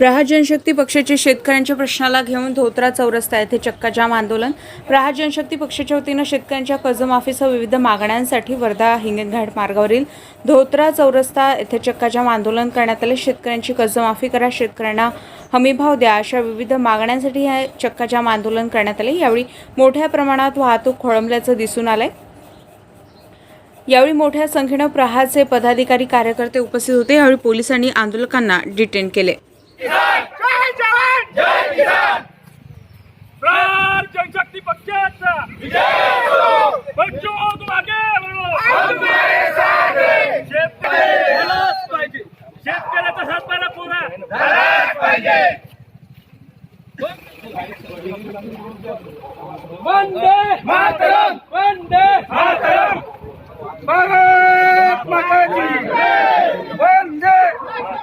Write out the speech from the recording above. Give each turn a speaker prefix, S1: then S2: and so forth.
S1: प्रहार जनशक्ती पक्षाचे शेतकऱ्यांच्या प्रश्नाला घेऊन धोत्रा चौरस्ता येथे चक्काजाम आंदोलन। प्रहार जनशक्ती पक्षाच्या वतीने शेतकऱ्यांच्या कर्जमाफीसह विविध मागण्यांसाठी वर्धा हिंगणघाट मार्गावरील धोत्रा चौरस्ता येथे चक्काजाम आंदोलन करण्यात आले। शेतकऱ्यांची कर्जमाफी करा, शेतकऱ्यांना हमीभाव द्या अशा विविध मागण्यांसाठी हे चक्काजाम आंदोलन करण्यात आले। यावेळी मोठ्या प्रमाणात वाहतूक खोळंबल्याचं दिसून आलंय। यावेळी मोठ्या संख्येने प्रहारचे पदाधिकारी कार्यकर्ते उपस्थित होते। यावेळी पोलिसांनी आंदोलकांना डिटेन केले।
S2: जय जवान जय किसान। प्रहार जनशक्ति पक्षाचा विजय हो। बच्चों तुम आगे बढ़ो, हम तुम्हारे साथ हैं। शेतकऱ्यालाच पाहिजे, शेतकऱ्याचा हातभार पुरा झालाच पाहिजे। वंदे मातरम, वंदे मातरम, भारत माता की जय। वंदे